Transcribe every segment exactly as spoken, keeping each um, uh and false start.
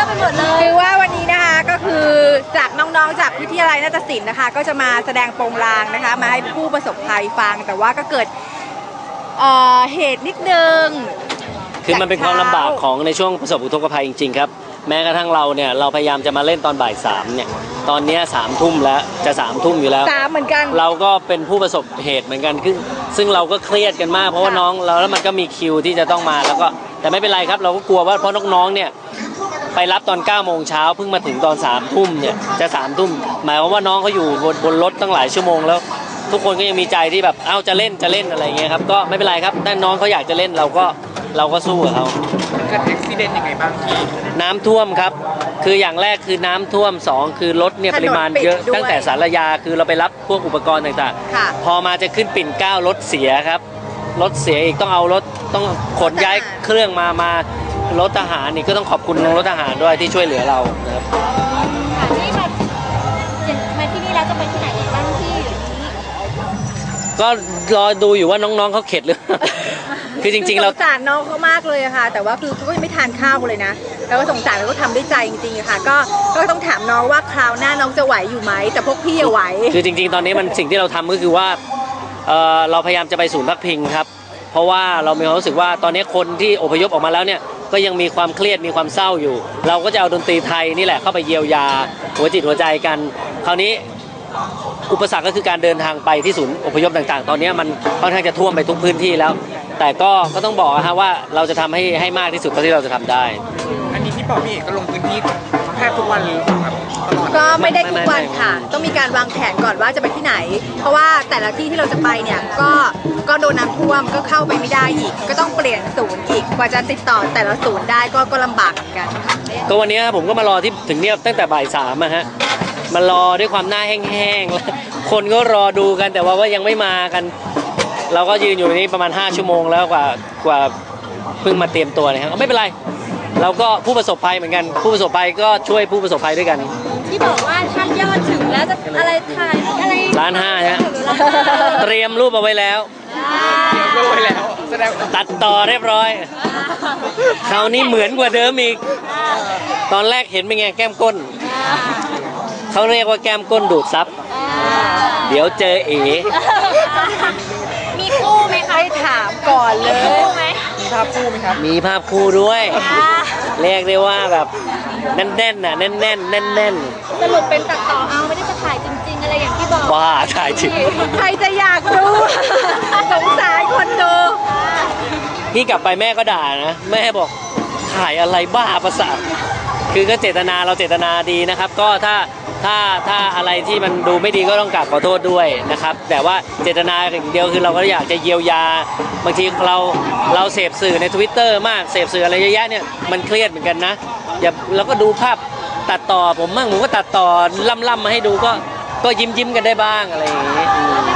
อะไปหมดเลยคือว่าวันนี้นะคะก็คือจากน้องๆจากวิทยาลัยนาฏศิลป์นะคะก็จะมาแสดงโปรงลางนะคะมาให้ผู้ประสบภัยฟังแต่ว่าก็เกิดเหตุนิดนึงคือมันเป็นความลำบากของในช่วงประสบอุทกภัยจริงๆครับแม้กระทั่งเราเนี่ยเราพยายามจะมาเล่นตอนบ่ายสามเนี่ยตอนนี้สามทุ่มแล้วจะสามทุ่มอยู่แล้วสามเหมือนกันเราก็เป็นผู้ประสบเหตุเหมือนกันซึ่งซึ่งเราก็เครียดกันมากเพราะว่าน้องเราแล้วมันก็มีคิวที่จะต้องมาแล้วก็แต่ไม่เป็นไรครับเราก็กลัวว่าเพราะน้องๆเนี่ยไปรับตอนเก้าโมงเช้าเพิ่งมาถึงตอนสามทุ่มเนี่ยจะสามทุ่มหมายความว่าน้องเขาอยู่บนบนรถตั้งหลายชั่วโมงแล้วทุกคนก็ยังมีใจที่แบบเอ้าจะเล่นจะเล่นอะไรเงี้ยครับก็ไม่เป็นไรครับถ้าน้องเขาอยากจะเล่นเราก็เราก็สู้กับเขาเกิดอุบัติเหตุยังไงบ้างพี่น้ำท่วมครับคืออย่างแรกคือน้ำท่วมสองคือรถเนี่ยปริมาณเยอะตั้งแต่สารยาคือเราไปรับพวกอุปกรณ์ต่างๆพอมาจะขึ้นปิ่นเกล้ารถเสียครับรถเสียอีกต้องเอารถต้องขนย้ายเครื่องมามารถทหารนี่ก็ต้องขอบคุณรถทหารด้วยที่ช่วยเหลือเรานะครับค่ะนี่มามาที่นี่แล้วจะไปที่ไหนอีกบ้างที่ก็รอดูอยู่ว่าน้องๆเขาเข็ดหรือคือจริงๆเราสงสารน้องเขามากเลยค่ะแต่ว่าคือเขาก็ยังไม่ทานข้าวเลยนะแล้วก็สงสารแล้วก็ทำด้วยใจจริงๆค่ะก็ก็ต้องถามน้องว่าคราวหน้าน้องจะไหวอยู่ไหมแต่พวกพี่ไหวคือจริงๆตอนนี้มันสิ่งที่เราทำก็คือว่าเราพยายามจะไปศูนย์พักพิงครับเพราะว่าเรามีความรู้สึกว่าตอนนี้คนที่อพยพออกมาแล้วเนี่ยก็ยังมีความเครียดมีความเศร้าอยู่เราก็จะเอาดนตรีไทยนี่แหละเข้าไปเยียวยาหัวจิตหัวใจกันคราวนี้อุปสรรคก็คือการเดินทางไปที่ศูนย์อพยพต่างๆตอนนี้มันค่อนข้างจะท่วมไปทุกพื้นที่แล้วแต่ก็ก็ต้องบอกนะฮะว่าเราจะทำให้ให้มากที่สุดเท่าที่เราจะทำได้อันนี้ที่บอกพี่เอกก็ลงพื้นที่แทบทุกวันเลยครับตลอดก็ไม่ได้ทุกวันค่ะต้องมีการวางแผนก่อนว่าจะไปที่ไหนเพราะว่าแต่ละที่ที่เราจะไปเนี่ยก็ก็โดนน้ำท่วมก็เข้าไปไม่ได้อีกก็ต้องเปลี่ยนศูนย์อีกกว่าจะติดต่อแต่ละศูนย์ได้ก็ก็ลำบากเหมือนกันก็วันนี้ผมก็มารอที่ถึงเนี่ยตั้งแต่บ่ายสามอะฮะมารอด้วยความหน้าแห้งๆแล้วคนก็รอดูกันแต่ว่าว่ายังไม่มากันเราก็ยืนอยู่นี่ประมาณห้าชั่วโมงแล้วกว่ากว่าเพิ่งมาเตรียมตัวนะครับไม่เป็นไรเราก็ผู้ประสบภัยเหมือนกันผู้ประสบภัยก็ช่วยผู้ประสบภัยด้วยกันที่บอกว่าถ้ายอดถึงแล้วจะอะไรถ่ายอะไรล้านห้าฮะเตรียมรูปเอาไว้แล้วเตรียมรูปไว้แล้วแสดงตัดต่อเรียบร้อยคราวนี้เหมือนกว่าเดิมอีกตอนแรกเห็นเป็นไงแก้มก้นเขาเรียกว่าแก้มก้นดูดซับเดี๋ยวเจอเอ๋มีคู่ไหมคะให้ถามก่อนเลยมีภาพคู่ไหมครับมีภาพคู่ด้วยเรียกได้ว่าแบบแน่นๆน่ะแน่นๆแน่นๆสรุปเป็นตัดต่อเอาไม่ได้จะถ่ายจริงๆอะไรอย่างที่บอกว่าถ่ายจริงใครจะอยากดูสงสารคนดูพี่กลับไปแม่ก็ด่านะแม่บอกถ่ายอะไรบ้าประสาทคือก็เจตนาเราเจตนาดีนะครับก็ถ้าถ้าถ้าอะไรที่มันดูไม่ดีก็ต้องกราบขอโทษด้วยนะครับแต่ว่าเจตนาอย่างเดียวคือเราก็อยากจะเยียวยาบางทีเราเราเสพสื่อใน ทวิตเตอร์ มากเสพสื่ออะไรเยอะแยะเนี่ยมันเครียดเหมือนกันนะอย่าเราก็ดูภาพตัดต่อผมมั่งผมก็ตัดต่อล่ำๆมาให้ดูก็ก็ยิ้มยิ้มกันได้บ้างอะไรอย่างนี้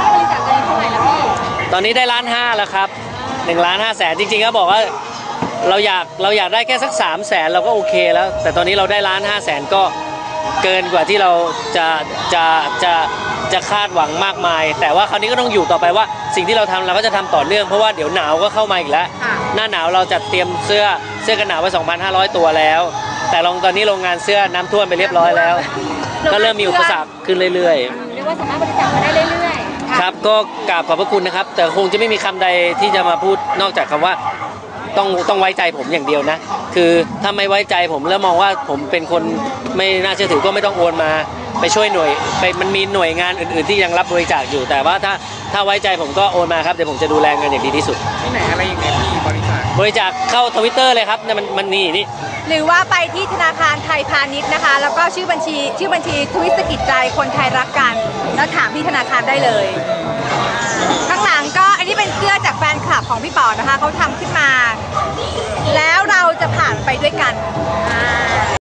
ตอนนี้ได้ล้านห้าแล้วครับหนึ่งล้านห้าแสนจริงๆก็บอกว่าเราอยากเราอยากได้แค่สักสามแสนเราก็โอเคแล้วแต่ตอนนี้เราได้ล้านห้าแสนก็เกินกว่าที่เราจะจะจะจะคาดหวังมากมายแต่ว่าคราวนี้ก็ต้องอยู่ต่อไปว่าสิ่งที่เราทำเราก็จะทำต่อเนื่องเพราะว่าเดี๋ยวหนาวก็เข้ามาอีกแล้วหน้าหนาวเราจัดเตรียมเสื้อเสื้อกันหนาวไว้ สองพันห้าร้อย ตัวแล้วแต่ลองตอนนี้โรงงานเสื้อน้ำท่วมไปเรียบร้อยแล้วก็เริ่มมีอุปสรรคขึ้นเรื่อยๆเรียกว่าสามารถบริจาคมาได้เรื่อยๆครับก็กราบขอบพระคุณนะครับแต่คงจะไม่มีคำใดที่จะมาพูดนอกจากคำว่าต้องต้องไว้ใจผมอย่างเดียวนะคือถ้าไม่ไว้ใจผมแล้วมองว่าผมเป็นคนไม่น่าเชื่อถือก็ไม่ต้องโอนมาไปช่วยหน่วยไปมันมีหน่วยงานอื่นๆที่ยังรับบริจาคอยู่แต่ว่าถ้าถ้าไว้ใจผมก็โอนมาครับเดี๋ยวผมจะดูแลเงินอย่างดีที่สุดที่ไหนอะไรอย่างเงี้ยพี่บริจาคบริจาคเข้าทวิตเตอร์เลยครับเนี่ยมันมันนี่นี่หรือว่าไปที่ธนาคารไทยพาณิชย์นะคะแล้วก็ชื่อบัญชีชื่อบัญชีทวิตสกิจใจคนไทยรักกันแล้วถามที่ธนาคารได้เลยข้างหลังก็อันนี้เป็นเสื้อจากแฟนคลับของพี่ป๋อนะคะเขาทำขึ้นมาแล้วเราจะผ่านไปด้วยกัน